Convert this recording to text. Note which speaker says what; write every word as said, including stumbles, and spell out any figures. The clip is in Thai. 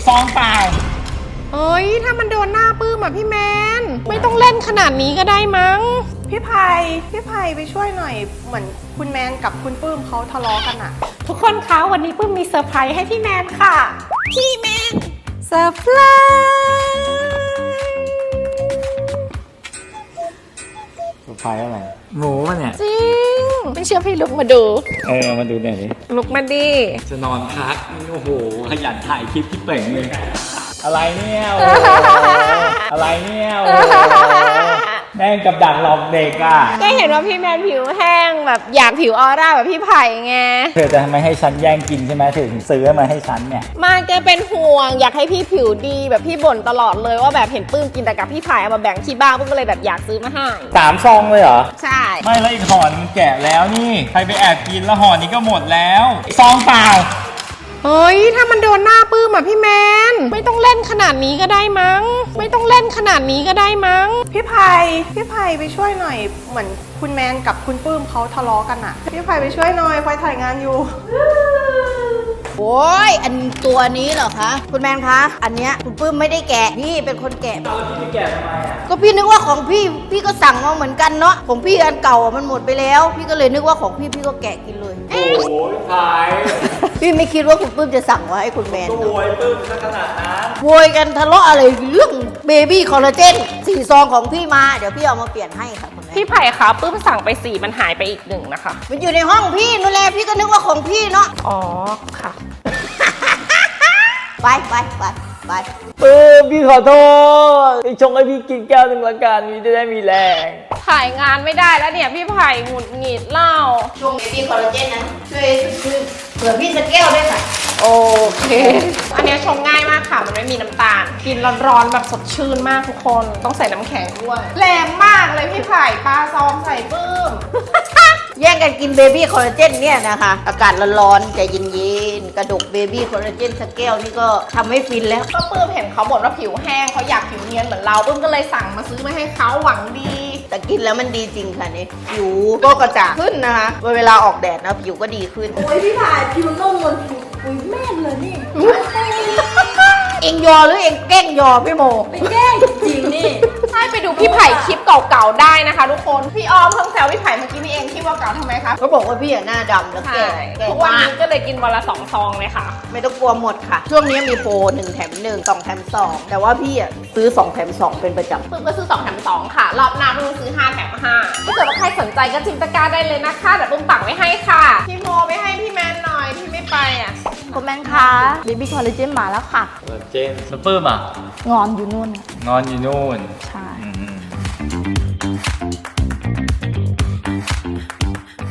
Speaker 1: ซองเปล่า
Speaker 2: เฮ้ยถ้ามันโดนหน้าปื้มอ่ะพี่แมนไม่ต้องเล่นขนาดนี้ก็ได้มั้ง
Speaker 3: พี่ไผ่พี่ไผ่ไปช่วยหน่อยเหมือนคุณแมนกับคุณปื้มเขาทะเลาะกันอะ
Speaker 2: ทุกคนคะวันนี้ปื้มมีเซอร์ไพรส์ให้พี่แมนค่ะพี่แมนเซอร์ไพร
Speaker 1: เซอร์ไพรส์อะไรหมูมันเนี่ย
Speaker 2: จริงไม่เชื่อพี่ลุกมาดู
Speaker 1: เออมาดูหน่อยดิ
Speaker 2: ลุกมาดิ
Speaker 1: จะนอนพักโอ้โหขยันถ่ายคลิปที่เป่งเลยอะไรเนี่ยอะไรเนี่ยแม่งกับดักหลอกเด็กอ่ะ
Speaker 2: ก็เห็นว่าพี่แมนผิวแห้งแบบอยากผิวออร่าแบบพี่ไผ่ไง
Speaker 1: เธอจะทำไมให้ฉันแย่งกินใช่ไหมถึงซื้อมาให้ฉันเนี่ย
Speaker 2: มาแกเป็นห่วงอยากให้พี่ผิวดีแบบพี่บ่นตลอดเลยว่าแบบเห็นปื้มกินแต่กับพี่ไผ่เอามาแบ่งที่บ้านปื้มก็เลยแบบอยากซื้อมาให้
Speaker 1: สามซองเลยเหรอ
Speaker 2: ใช่
Speaker 1: ไม่แล้วอีกห่อนึงแกะแล้วนี่ใครไปแอบกินแล้วห่อนี้ก็หมดแล้วซองเปล่า
Speaker 2: เฮ้ยถ้ามันโดนหน้าปื้มอ่ะพี่แมนไม่ต้องเล่นขนาดนี้ก็ได้มั้งไม่ต้องเล่นขนาดนี้ก็ได้มั้ง
Speaker 3: พี่ไผ่พี่ไผ่ไปช่วยหน่อยเหมือนคุณแมนกับคุณปื้มเขาทะเลาะกันอะพี่ไผ่ไปช่วยหน่อยไฟถ่ายงานอยู่
Speaker 4: โอ้ยอันตัวนี้เหรอคะคุณแมนคะอันเนี้ยคุณปื้มไม่ได้แกะพี่เป็นคนแกะ
Speaker 1: แล้วพี่ไปแกะทำไมอ่ะ
Speaker 4: ก็พี่นึกว่าของพี่พี่ก็สั่งมาเหมือนกันเนาะของพี่อันเก่ามันหมดไปแล้วพี่ก็เลยนึกว่าของพี่พี่ก็แกะกินเลย
Speaker 1: โอ้ยขาย
Speaker 4: พี่ไม่คิดว่าคุณปื้มจะสั่งมาให้คุณแมน
Speaker 1: โวยปื้มซะขนาดนั้น
Speaker 4: โวยกันทะเลาะอะไรเรื่องเบบี้คอลลาเจนสี่ซองของพี่มาเดี๋ยวพี่เอามาเปลี่ยนให้ค่ะคุณแม่
Speaker 2: พี่ไผ่คะปื้มสั่งไปสี่มันหายไปอีกหนึ่งนะคะ
Speaker 4: มันอยู่ในห้องพี่นู่นแหละพี่ก็นึกว่าของพี่เนาะ
Speaker 2: อ๋อค่ะ
Speaker 4: ไปไปไปไป
Speaker 1: เออพี่ขอโทษพี่ชงให้พี่กินแก้วหนึ่งละกันพี่จะได้มีแรง
Speaker 2: ถ่ายงานไม่ได้แล้วเนี่ยพี่ไผ่หงุดหงิดเล่า
Speaker 4: ช่วงเบบี้คอลลาเจนนะช่วยช่วยเผื่อพี่สักแก้วได้ค่ะ
Speaker 2: โอเคอันนี้ชงง่ายมากค่ะมันไม่มีน้ำตาลกินร้อนๆแบบสดชื่นมากทุกคนต้องใส่น้ำแข็งด้วยแรงมากเลยพี่ไผ่ปลาซองใส่ปื้ม
Speaker 4: แย่งกันกินเบบี้คอลลาเจนเนี่ยนะคะอากาศร้อนๆใจเย็นๆกระดกเบบี้คอลลาเจนสักแก้วนี่ก็ทำให้ฟินแล้ว
Speaker 2: ก็ปื้มเห็นเขาบ่นว่าผิวแห้งเขาอยากผิวเนียนเหมือนเราปื้มก็เลยสั่งมาซื้อมาให้เขาหวังดี
Speaker 4: แต่กินแล้วมันดีจริงค่ะนี่ผิวก็กระจ่างขึ้นนะคะเวลาออกแดดนะผิวก็ดีขึ้น
Speaker 3: โอ้ยพี่ถ่ายผิวนุ่มเหมือนผิวปุยแม่เลยนี่
Speaker 4: เอ็งยอหรือเอ็งแกล้งยอพี่โม
Speaker 3: ไปแกล้งจริงนี่
Speaker 2: ใช่ไปดูพี่ไผ่คลิปเก่าๆได้นะคะทุกคนพี่ออมเพิ่งแซวพี่ไผ่เมื่อกี้นี่เองคลิปเก่าๆทำไมคะ
Speaker 4: เขาบอกว่าพี่หน้าดำแล้วแก่
Speaker 2: ทุกวันนี้ก็เลยกินวันละสองซองเลยค่ะ
Speaker 4: ไม่ต้องกลัวหมดค่ะช่วงนี้มีโปรหนึ่งแถมหนึ่งสองแถมสองแต่ว่าพี่อ่ะซื้อสองแถมสองเป็นประจำ
Speaker 2: ปื้มก็ซื้อสองแถมสองค่ะรอบหน้าปื้มซื้อห้าแถมห้าถ้าเกิดว่าใครสนใจก็จิ้มตะกร้าได้เลยนะคะแต่ปื้มปักไว้ให้ค่ะพี่โมไปให้พี่แมนหน่อยพี่ไม่ไปอ่ะ
Speaker 3: คุณแมนคะเบบี้คอลลาเจนมาแล้วค่ะ
Speaker 1: คอลลาเจนซุปเปอร์อ่ะ
Speaker 3: งอนอยู่นู่น
Speaker 1: งอนอยู่นู่น
Speaker 3: ใช่